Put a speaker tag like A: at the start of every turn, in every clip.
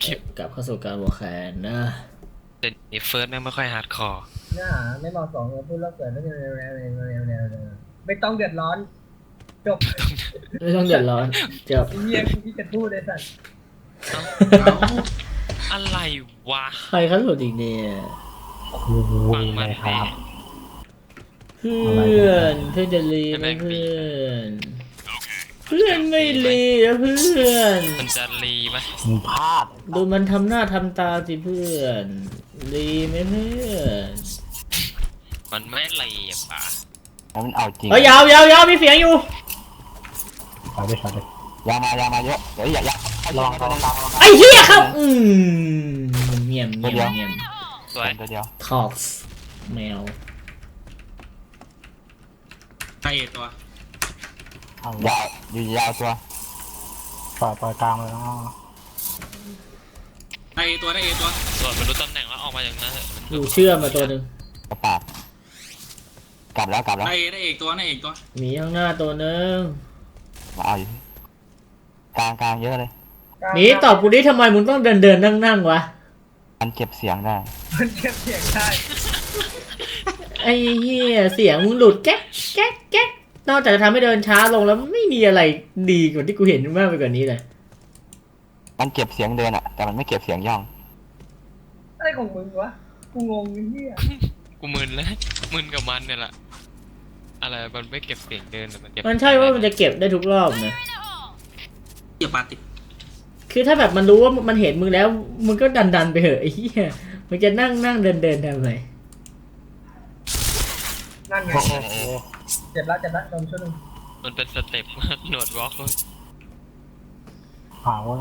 A: ชิป
B: กลับเข้าสู่การวอร์แคนนะ
A: เดี๋ยวนี้เฟิร์สแม่งไม่ค่อยฮาร์ดคอร์
C: เนื้อหาไม่เหมาะสมกับพูดแล้วเกิดแล้วไม่ต้องเดือดร้อนจบ
B: ไม่ต้องเดือดร้อนจบ
C: เฮียที่จะพูดเลยสัตว์
A: อะไรวะ
B: ใครเขาหลุดอีกเนี่ย
A: ฟังมันแน่
B: เพื่อนจะรีไหมเพื่อนเพื่อนไม่รีนะเพื่อน
A: มันจะรีไหม
D: มึงพลาด
B: ดูมันทำหน้าทำตาสิเพื่อนรีไหมเพื่อน
A: มันไม่รีอ่ะป่ะ
D: แล้วมันเอาจริง
B: เฮ้ยยาวมีเสียงอยู่
D: ขอด้วยยามาเยอะเดี๋ยวอย่าลอง
B: ไอ้เหี้ยครับเงียบ
A: สวย
D: ตัวเดียว
B: ทอกส์แมว
E: ใช่ตัวย
D: าวอยู่ยาวตัวปล่อยกลางเลยนะ
E: ได้ตัวได้ตัว
A: ส่วนมันรู้ตำแหน่งแล้วออกมาอย่างนั้นเถอะ
B: อยู่เชื่อมมาตัวหนึ่ง
D: กระปาดกลับแล้ว
E: ได้ตัวได้ตัว
B: มีข้างหน้าตัวหนึ่ง
D: มาเอาอยู่กลางเยอะเลย
B: นี่ตอบกูดิทำไมมึงต้องเดินนั่งวะ
D: มันเก็บเสียงได้
C: มันเก็บเสียงได้
B: ไอ้เหี้ยเสียงมึงหลุดแก๊กนอกจากจะทำให้เดินช้าลงแล้วไม่มีอะไรดีกว่าที่กูเห็นมากไปกว่านี้เลย
D: มันเก็บเสียงเดินอะแต่มันไม่เก็บเสียงย่อง
C: อะไรของมึงวะกูงงไอ้เฮีย
A: กูมึนเลยมึนกับมันเนี่ยแหละอะไรมันไม่เก็บเสียงเดินแต่มันเก็บ
B: มันใช่ว่ามันจะเก็บได้ทุกรอบนะ
E: เกี่ยวปาติด
B: คือถ้าแบบมันรู้ว่ามันเห็นมึงแล้วมึงก็ดันไปเถอะไอ้เหี้ยมึงจะนั่งเดินทำไม
C: นั่นไงเจ็บแล้วโดนช่วยหนึ่ง
A: มันเป็นสเต็ป หนวดวอล์ก
D: หาว่า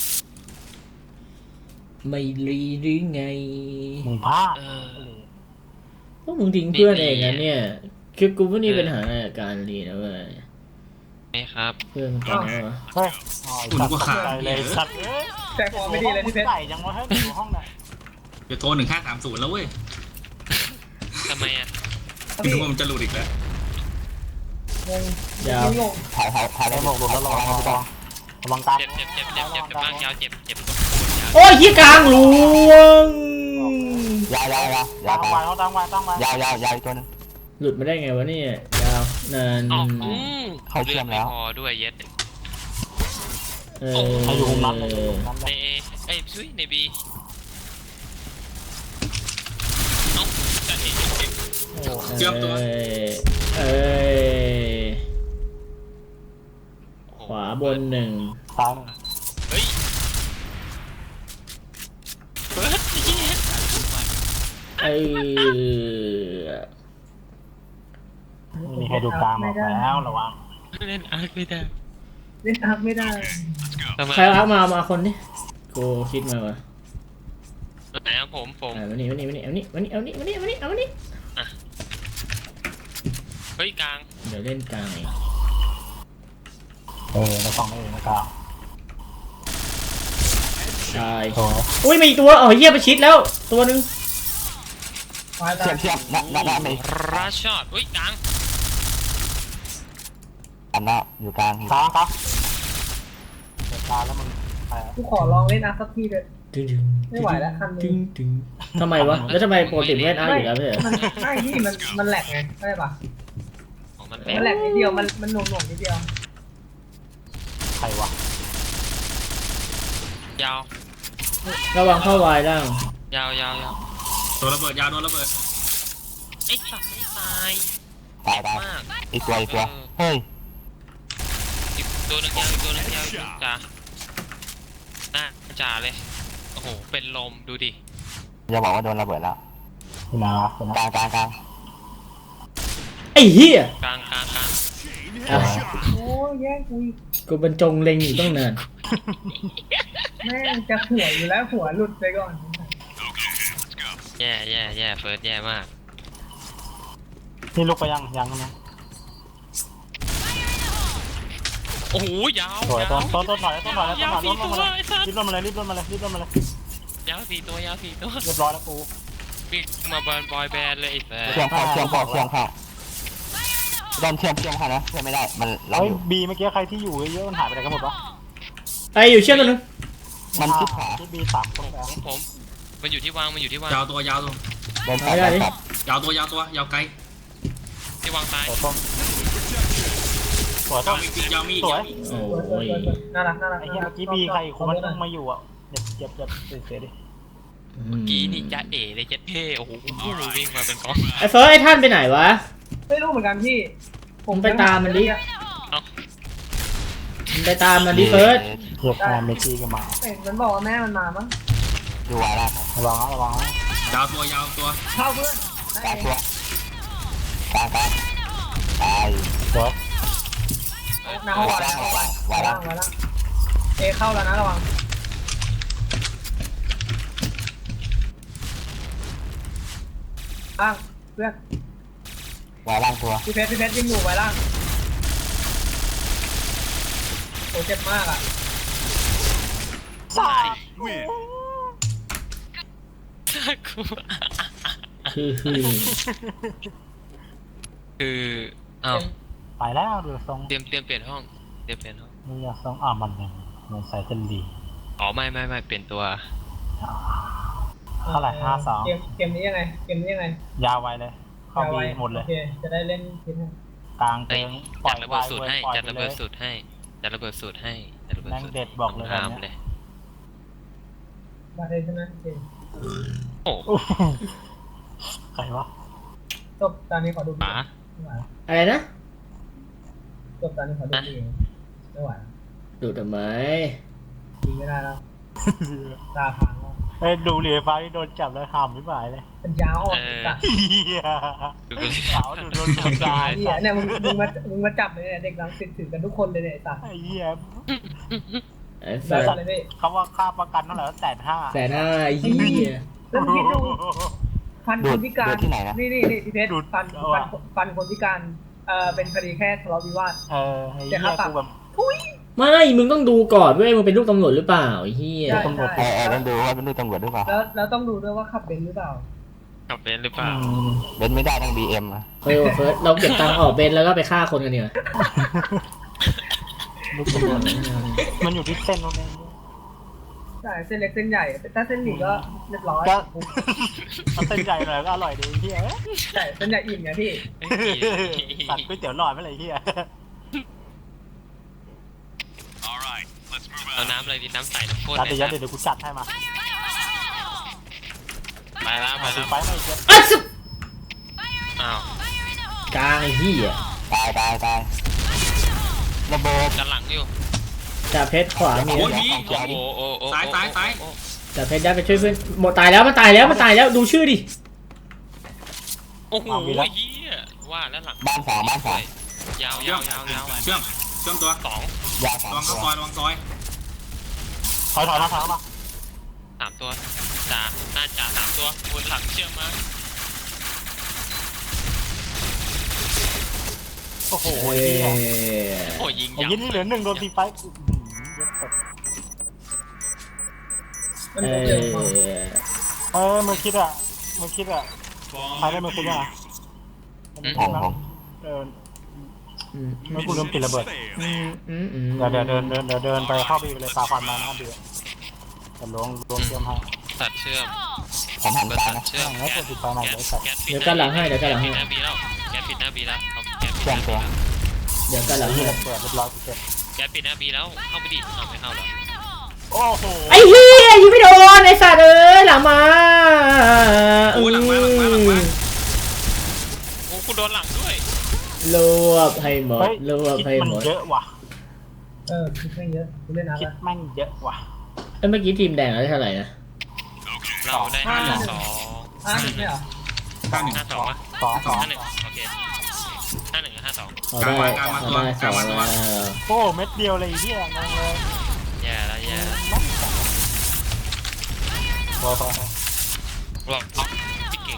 B: ไม่รีหรือไง
D: มึงพลาด
B: พวกมึงทิ้งเพื่อนเองนะเนี่ยคือกูไม่มีปัญหากับการรีนะเว้ย
A: ไม่ครับ
B: เพื่อนมันตายแล้ววะ
D: เฮ้ยใจเลยสัตว์
C: แต่พอไม่ดีเลยที่เพชร
D: ใส่ยังวะให้อยู่ห้องไหน
E: เดี๋ยวโทร1530แล้วเว้ย
A: ทำไมอ่ะ
E: คิดว่ามันจะหลุดอีกแล้ว
C: งง
B: ยาว
C: งง
D: ถ่ายได้หมดแล้วลองกลาง
A: เจ็บบ้างยาวเจ็บยาว
B: โอ้ยยี่กลางหลวง
D: ยาวตัวนึง
B: หลุดมาได้ไงวะเนี่ยยาวนาน
A: ออก
D: เขาเชื่อมแล้ว
A: พอด้วยเย็ด
D: ให้อยู่มุมนั้น
A: ในเอช่วยในบีเอ้าจะเห็น
B: เอ้ยขวาบนหนึ่ง
D: ซ้ายหนึ่ง
A: เฮ้ยเฟิร์สเย็ด
D: มีใครดูกลางบอกแล้วระวัง
A: เล่นอาร์คไม่ได้
C: เล่นอาร์คไม่ได้
A: ทำไม
B: ใครรักมาคนนี้กูคิดมาวะ
A: ไหนอะผม
B: วันนี้
A: เฮ้ยกลาง
B: เดี๋ยวเล่นกลาง
D: แล้วฟังไม่เองนะกลาง
B: ตายอุ้ยมีตัวอ๋อเหี้ยไปชิดแล้วตัวนึง
D: เทียบหน้าไม่
A: ราชอดอุ้ยกลาง
D: อันหน้าอยู่กลางกลางเปิดตาแล้วมัน
C: กูขอลองเล่นอาร์คสักทีเลยไม่ไหวแล้วคันนึง
B: ทำไมวะแล้วทำไมโปรติเล่นอาร์อยู่แล้วเนี่ย
C: ไม่ที่มันแหลกไงใช่ปะ
A: ของมัน
C: มันแหลกนิดเดียวมันหน่วงนิดเดียว
D: ใครวะ
A: ยาว
B: ระวังเข้าวายล่าง
A: ยาว
E: ตัวระเบิดยาวโดนระเบิด
A: ไอ้สัตว์ไม่ตาย
D: ตาย
A: มาก
D: อีกตัวเฮ้ย
A: อีกตัวนึงยาวจ่าหน้าจ่าเลยโอ้โหเป็นลมดูดิ
D: อย่าบอกว่าโดนระเบิดแล้วกลาง
B: ไอ้เหี้ย
A: กลาง
C: โอ้ยแย่งกู
B: กูบรรจงเล็งอยู่ตั้งนาน
C: แม่งจะหัวอยู่แล้วหัวหลุดไปก่อน
A: แย่เฟิร์สแย่มาก
D: นี่ลุกไปยังนะ
A: โอ้โหยาว
D: สวยต้นหน่อยแล้ว
A: ยาวสี่ตัวไอ้สัตว์
D: รีบมาเลย
A: ยาวสี่ตัว
D: เรียบร้อยแล้วกู
A: วิ่งมาบอยแบนด์เลยไอ้แฟร์
D: เชื่อมเข้าโดนเชื่อมเข้านะเชื่อมไม่ได้มันเราอยู่บีเมื่อกี้ใครที่อยู่เยอะมันหายไปไหนกันหมดวะ
B: ไอ้อยู่เชื่อมตัวนึง
D: มันชิดขวา
F: ที่บีสามคนแล้ว
A: ผมมันอยู่ที่วางมันอยู่ที่วาง
E: ยาวตัวยาวตัว
D: เดินตัดเดินตัด
E: ยาวตัวยาวตัวยาวไกล
A: ที่วางซ้าย
F: สวยต้นสวย
E: ยา
F: ต้
E: วน มีอีกยาวมีอีก
F: สวย
E: ยาวมีอีก
B: โอ้
C: สวย
B: ย
C: น่ารักน่ารัก
F: ไอ้เหี้ยเมื่อกี้บีใครอีกคนมันต้องมาอยู่อ่ะเจ็บเสียดิ
A: กีนี่จะเอ๋เลยเจ็ดเท่โอ้โหวิ่งมาเป็นกอง
B: ไอ้เฟิร์สไอ้ท่านไปไหนวะ
C: ไม่รู้เหมือนกันพี่
B: ผมไปตามมันดิ มึงไปตามมันดิเฟิร์ส
F: เทียบแม่เมกี้ก็มา
C: เห็นมันบอกว่าแม่มันมามั้ง
D: ดูไว้แล้ว
F: ระวังนะ
E: ยาวตัวยาวตัว
C: เข้าเพื่อน
D: กลางตัวกลางตาย
F: สวย
C: น้ำวางวางเอเข้าแล้วนะระวังล่างเพื่อน
D: ไว้ล่างตัว
C: พี่เพชรยิงอยู่ไว้ล่างโอ้เจ็บมากอ่ะ
A: คืออ้าว
F: ไปแล้วดูทรง
A: เตรียมเปลี่ยนห้องเปลี่ยนห้อง
F: มึงอยากทรงมันยังมันใส่เส้นดี
A: อ๋อไม่เปลี่ยนตัว
F: เท่าไหร่52
C: เกมนี้ยังไง
F: ยาวไวเลยเข้าบีหมดเลย
C: โอเคจะได้เล่นคิดให้
F: กลางเติงปล่
A: จั
F: อย
A: ดระเบิดสูตรให้
F: ปล่อย
A: จัด
F: ไประ เล
A: เบิด
F: ย
A: สูตรให้จัดระเบิดสูตรให้จัดระเบิด
F: แม่ง
A: สูตร
F: เด็ดบอกเลยแบบ
A: ห้าม
F: เนี้ย
A: เลย
C: มาเลยใช่ไหมโอเค
A: โอ้
F: ใครวะ
C: จบตอนนี้ขอดู
A: ป๋า
C: ไม่ไหว
B: อะไรนะ
C: จบตอนนี้ขอดูดีไม่ไหว
B: ดูทำไม
C: ยิงไม่ได้แล้วตาพังแล้ว
F: เฮ้ยดูเหรียญฟ้าที่โดนจับแล้วขำไม่ไหวเลย
C: เป็นยาวอ่อนจัด
F: เฮีย
A: ดูกันเลย
F: ขาวดูโดนจับตาย
C: เหี้ยเนี่ยมึงมาจับเลยเนี่ยเด็กรังสิตถือกันทุกคนเลยเนี่ยตา
F: ไอ้เหี้ย
B: ไอ้
C: ได้
B: สัตว์
C: เลยพี่
F: เขาว่าค่าประกันเท่าไหร่150,000
B: 150,000ไอ้เหี้ย
C: แล้วคิดดูพันคนพิการ
D: ที่ไหนนะ
C: นี่พี่เพชรพันคนพิการเป็นคดีแค่ทะเลาะวิวาท
F: ไอ้เหี้ยกูแบบ
B: ไม่มึงต้องดูก่อนเว้ยมึงเป็นลูกตำรวจหรือเปล่าไอ้เหี้ย
F: ตำรวจ
D: ต้องดูว่าเป็นลูกตำรวจหรือเปล่า
C: แล้วต้องดูด้วยว่าขับเบนซ์หรือเปล่า
A: ขับเป็นหรือเปล่า
D: เล่นไม่ได้ต้อง BM อ่ะ
B: เฟิร์สเราเก็บตังค์ออกเบนแล้วก็ไปฆ่าคนกันเนี่ย
F: ลูกตำรวจมันอยู่ที่เส้นตรงนี้
C: ใช่เส้นเล็กเส้นใหญ่ถ้าเส้นหมี่ก็เรียบร้อย
F: ก็เอาเส้นใหญ่หน่อยก็อร่อยดีเฮีย
C: ใช่เส้นใหญ่อิ่มไงพี่
F: ตัดก๋วยเตี๋ยวหลอดไม่เลยเฮีย
A: เอาน้ำอะไรดีน้ำใสน้ำข้น
F: ตัดเดี๋ยวกูจัดให้มา
A: ไปแล้ว
F: ดูไปไม่เยอะ
B: อัดสุด
A: อ้าว
B: กลางไอ้เหี้ย
D: ตายระเบิด
A: ด้านหลังอยู่
B: จ่าเพชรขวามี
E: โอ้ย
B: นะ
E: มี
A: โอ้
E: ซ้าย
B: จ่าเพชรได้ไปช่วยเพื่อนหมดตายแล้วมันตายแล้วดูชื่อดิ
A: โอ้โหเฮียว่าแล้วหลัง
D: บ้านสอง
A: ยาว
E: เชื่อมตัว
A: สอง
D: ยาวสา
E: ระ
D: ม
E: วัง
D: ตั
E: เข้าว ซอยระวังซอย
F: ถอยมา
A: สามตัวจ่าหน้าจ่าสามตัวบนหลังเชื่อมมา
F: โอ้โห
B: โอ้ย
A: โอ้ยิง
F: ไอ้
A: ยับ
F: ยี่นี่เหลือ1โดนตีไป
C: มันจะเจอมา
F: มึงคิดอ่ะใครได้มึงคิดอ่ะ
D: ของ
F: ไม่กูลืมปิดระเบิดเดี๋ยวเดินไปเข้าบีไปเลยตาฟันมาหน้าบีจะล้วงเชื่อมให้
A: ตัดเชื่อม
D: ผมหัน
A: เปิด
D: ซ้าย
A: ตัด
D: นะ
A: เชื่อม
F: แล้วกดติดไฟใหม่เลยสัตว์
A: แก๊สปิด
B: เดี๋ยวกันหลังให้
A: แก๊สปิดหน้าบีแล้วแก๊สปิดหน้าบีแล้วแก๊สปิดหน้าบีแล้ว
B: เดี๋ยวกันหลังให้
F: เปิดเรียบร้อยเสร็จ
A: แก๊สปิดหน้าบีแล้วเข้าไปดิเอาไม่เข้าหรอ
F: โอ้โห
B: ไอ้เหี้ยยิงไม่โดนไอ้สัตว์เอ้ยหลังมา
E: โอ้หลังมา
A: โอ้กูโดนหลังด้วย
B: รวบให้หมดรวบ
F: คิด
B: ให้
F: มัน
B: หมด
F: เยอะว่ะ
C: คิดไม่เยอะกูเล่นอะไร
F: คิดแม่งเยอะว่ะ
B: เมื่อกี้ทีมแดงได้เท่าไหร่นะ
A: เราได้52
C: ไม่เหรอ
A: 52ป่ะ
F: 2
A: 51โอเค51กับ52
B: เขาได้2แล้ว
F: โอ้เม็ดเดียวเลยที่งงเลย
A: แย่แล้ว
F: พอ
A: บอกพี่เก่ง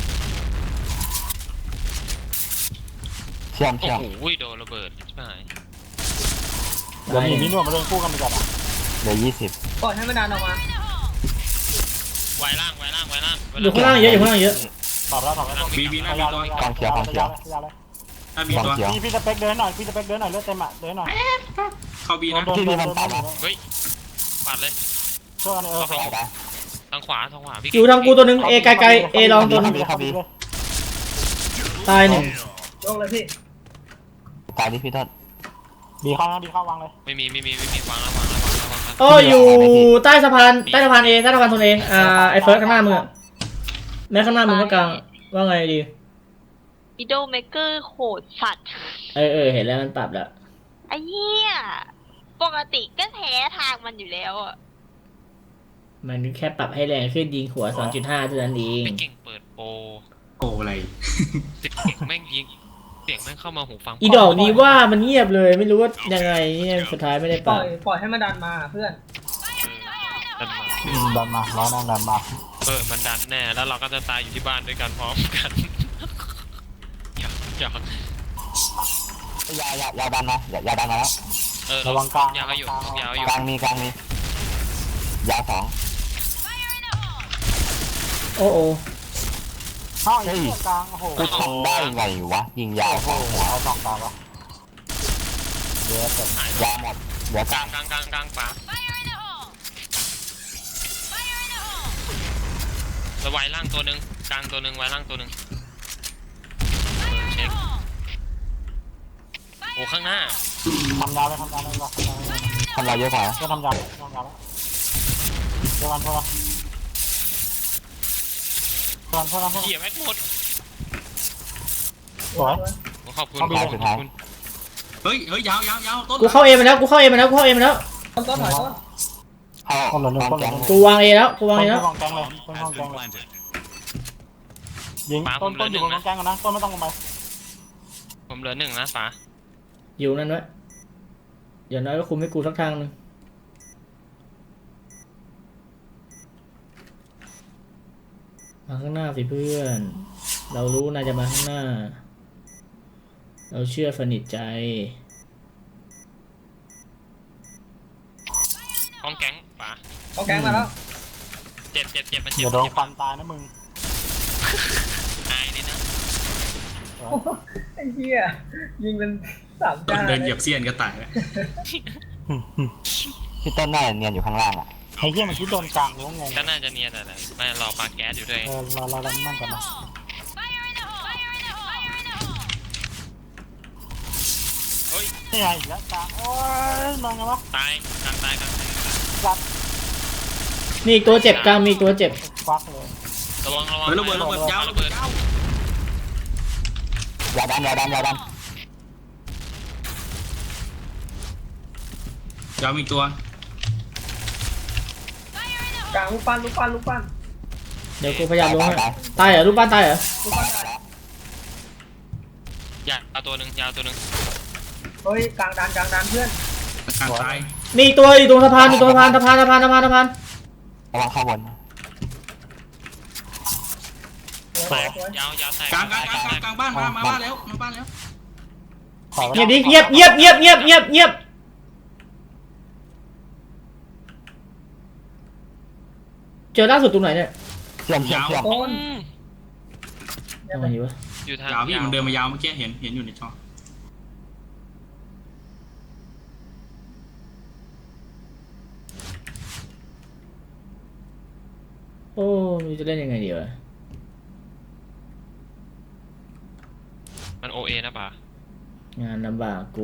D: เชื่อม
A: โอ้โหโดนระเบิดใช่ไหม
F: เดี๋ยวมีนวดมาเดินคู่กันไปก่อนอ่ะ
D: เหลือ20
C: ปล่อยให้มันดันออกมา
A: ไวล่าง
B: อยู่ข้างล่างเยอะ
F: ตอบแล้ว
E: บีหน้าบีตัว
F: ยาวเลย
E: ถ้ามีตัว
F: พี่สเปคเดินหน่อยเลือดเต็มอ่ะเดินหน่อย
E: เข้าบีนะ
A: เฮ้ยปัดเลย
F: ช่วยกันสวย
D: ได้
A: ทางขวาพี่
B: อยู่ทางกูตัวหนึงเอไกลๆเอลองตัวหนึง
F: เข้าบี
B: ตายหนึ่ง
C: ลงเลยพี่
D: ตายดิพี่ต้น
F: บีเข้านะบีเข้าวางเลย
A: ไม่มีวางแล้ว
B: โอ้อยู่ใต้สะพานเอใต้สะพานโซนเอไอเฟิร์สข้างหน้ามึงอะแม้ข้างหน้ามึงก็กลางว่าไงดี
G: วิดโอเมเกอร์โหดสัตว์
B: เห็นแล้วมันปรับแล้ว
G: ไอ้เหี้ยปกติก็แพ้ทางมันอยู่แล้วอ่ะ
B: มันแค่ปรับให้แรงขึ้นยิงหัว 2.5 เท่านั้นเอง
A: ไม่เก่งเปิดโปร
E: โอ้อะไร
A: เสียงแม่งยิงเสียงแม่งเข้ามาหูฟัง
B: อีดอกนี้ว่ามันเงียบเลยไม่รู้ว่ายังไงเนี่ยสุดท้ายไม่ได้
C: ป
B: ป
C: ล่
B: รั
C: อบ ยปล่อยให้มันดันมาเพื่อน
A: ดันมา
F: ดันมาร้อยนั่งดันมา
A: มันดันแน่แล้วเราก็จะตายอยู่ที่บ้านด้วยกันพร้อมกันอยาก
D: ยาวดันมาอย่าดันมาแล้ว
F: ระวังกลาง
A: ยาวอยู่
D: กลางมียาวสอง
B: โอ้โอ้
F: เข้าไอ้เหี้ยกลางโอ้โห
D: กูทำได้ไงวะยิงยาว
F: โอ้
D: ส
F: โห
D: องหัว
F: เอาสองตาวะเยอะเกิน
D: ยาวหมดเหลือก
A: ก
D: ลา
A: ลาง งขวาแล้วไว้ล่างตัวหนึ่งกลางตัวหนึ่งไว้ล่างตัวหนึ่งเช็คโอ้ข้างหน้า
F: ทำยาวเลยทำยาวเลย
D: ทำลายเยอะกว่า
F: ก็ทำยาวแล้วเดี๋ยวกันเพื่อน
A: เขี่ยแม็กหมด
F: สวย
A: ขอบคุณ
E: เฮ้ยยาวต้น
B: กูเข้าเอมาแล้วต้น
C: ต้นถอยต้น
D: เข้า
F: คนแก๊ง
B: กูวางเอแล้ว
F: ห้องแก๊งเลยห้องแก๊งเลยยิงต้นอยู่บนห้องแก๊งกันนะต้นไม่ต้องลงไป
A: ผมเหลือหนึ่งนะป๋า
B: อยู่นั่นไว้อย่างน้อยก็คุมให้กูสักทางนึงมาข้างหน้าสิเพื่อน เรารู้นายจะมาข้างหน้า เราเชื่อสนิทใจ
A: ห้องแก๊งป๋า
C: เอาแกงมาแล้ว
A: เจ็บมัน
F: อย่าโดนฟันตายนะมึง
A: อายดินะ
C: ไอ้เหี้ยยิงเป็น3
E: ต้น
C: จาน
E: เดินเหยียบเสี้ยนก็ตายแล้ว
D: พี่ต้นน่าจะเนียนอยู่ข้างล่างอ่ะ
F: ไอ้เหี้ยมันคิดโดนกลางงง
A: ก็น่าจะเนียนแต่ไม่รอปาแก๊สอยู่ด้วย
F: เรานั่งกันนะนี่ไงอีกแล้วกลางโอ้ยมองไงวะ
A: ตายกลาง
B: มีอีกตัวเจ็บกลางมีอีกตัวเจ็บ
F: ฟักเลย
A: ระวัง
E: เฮ้ยระเบิดยาว
A: ระเบิด
D: ยาวดัน
E: ยาวมีตัว
C: กลางลูกปั้น
B: เดี๋ยวกูพยายามลงให้ตายเหรอรูปบ้านตายเหรอ
A: ยาวตัวหนึ่ง
C: เฮ้ยกลางดันเพื่อน
E: กลางตาย
B: มีอีกตัวอยู่ตรงสะพานสะพาน
D: ระวังเข้าบน
C: สวย
A: ยาวแตก
E: กลางบ้านมาบ้านแล้ว
B: เงียบดิเงียบเจอล่าสุดตรงไหนเนี่ย
D: เชื่อม
C: ต้น
B: ทำไมอยู่วะ
A: อยู่ทาง
E: ยาวพี่มันเดินมายาวเมื่อกี้เห็นอยู่ในจอ
B: โอ้ไม่รู้จะเล่นยังไงดีวะ
A: มันโอเอนะป่ะ
B: งานลำบากกู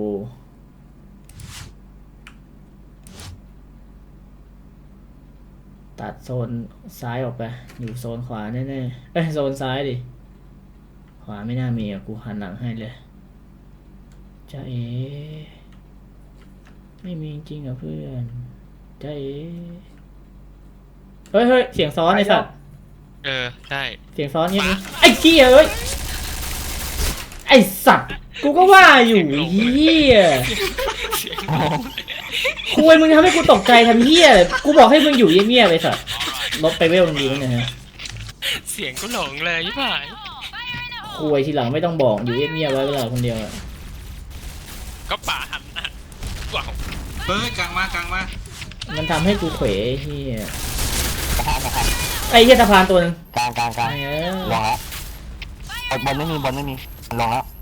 B: ตัดโซนซ้ายออกไป อยู่โซนขวาแน่ๆโซนซ้ายดิ ขวาไม่น่ามีอ่ะ กูหันหลังให้เลยจ้าเอไม่มีจริงอ่ะเพื่อนจ้าเอเฮ้ย เสียงซ้อนไอ้สัตว์
A: ใช่
B: เสียงซ้อนเงี้ยไอ้เหี้ยเอ้ย ไอ้สัตว์ กูก็ว่าอยู่เหี้ยคุยมึงทำให้กูตกใจทำเหี้ยกูบอกให้มึงอยู่เงียบๆไปสัตว์ลบไปเวลมึงดีมั้ยเนี่ยฮะ
A: เสียงก็หลงเลยยี่ป่าย
B: คุยทีหลังไม่ต้องบอกอยู่เงียบๆไว้เวลาคนเดียวอะ
A: ก็ป่าหันนะว้าว
E: เฮ้ยกลางมา
B: มันทำให้กูเขวไอ้เหี้ย
D: กระทะ
B: ไอ้เหี้ยสะพานตัวนึง
D: กลาง
B: ไอ้เอ้ย
D: ลงแล้วบนไม่มีลงแล้ว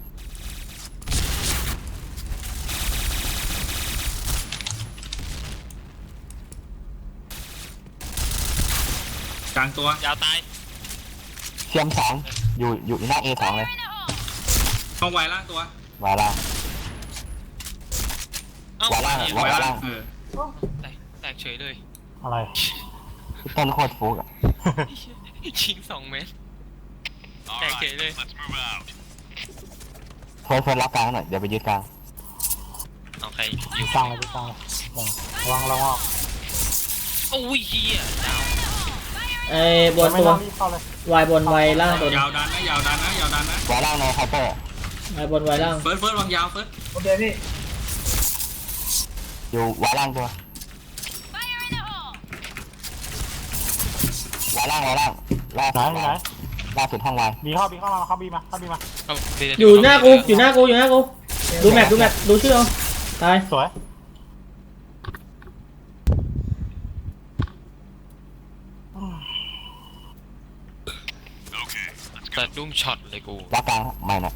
E: กลางตัวย
A: าวตาย
D: เทียมสองอยู่หน้า A2 เลย
E: ต้องไวล่างตัว
D: วาล่าง
A: เอ้า
D: ขวาล่าง
A: เหี้ย
D: ขวาล่าง
A: แตกเฉยเลย
F: อะไร
D: ต้นโคตรฟุกอ่ะ
A: ชิง2 เมตรแตกเฉยเลย
D: เฟิร์สรับกลางหน่อยเดี๋ยวไปยึดกลาง
A: เอาใครอยู่
F: กลางเลยกลางเลยระวังออก
A: โอ้ยเฮียดาว
B: ไอ้บน
F: ไม่
B: ตัว
F: ต้องรีบเข้าเลยว
B: ายบนวายล่างตัวนึ
E: ยาง วดันนะยาวดันนะยาวดันนะ
D: วาล่างในเคาน์เตอร์
B: วายบนวายล่าง
E: เฟิร์สวางยาวเฟิร์ส
C: โอเคพี่
D: อยู่วาล่างตัววาล่างล่า
F: ไหนไหน
D: ล่าสุดห้องวาย
F: บีเข้ามาเข้าบีมา
A: เอาไปเดี๋ว
B: อยู่หน้ากูอยู่หน้ากูดูแมปดูชื่อเอาตาย
F: สวย
A: เปิดดุ้งช็อตเลยกู
D: รับกลางไม่นะ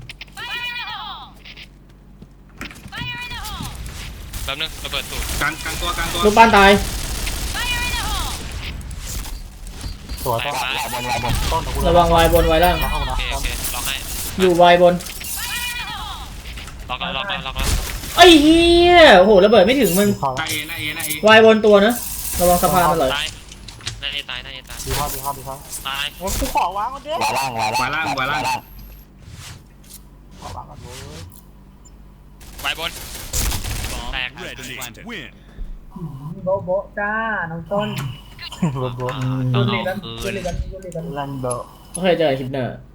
A: แป๊บนึงระเบิดตูด
E: กลางตัว
B: ลูกบ้านตาย
F: สวย
A: แต
F: ต้
A: ก
F: น
A: ซ้าย
F: ต้นของกู
B: ระวังวายบนวายล่าง
F: เข้านะ
A: โอเคล็อกให้
B: อยู่วายบน
A: ล็อกแล้ว
B: ไอ้เหี้ยโอ้โหระเบิดไม่ถึงมึง
F: เข้า
E: ห
F: แล้
E: น้าว เอ
B: วายบนตัวนะระวังสะพานมันเลย
A: ตายหน้าเอตาย
F: บีเข้า
A: ตาย
F: โอ้กูขอวางก่อนดิ
D: วาล่าง
F: ขอวางก่อนเว้ย
A: ไว้บนแตก
C: โบะโบะจ้าน้องต้น
F: รถ
A: ต้
C: ยู
A: อง
C: ริ
A: เอา
C: กัน
A: คื
C: ยู
A: น
C: ริกันยูริกัน
F: แลนเดอร์
B: โอเคเจอคลิปเนอร์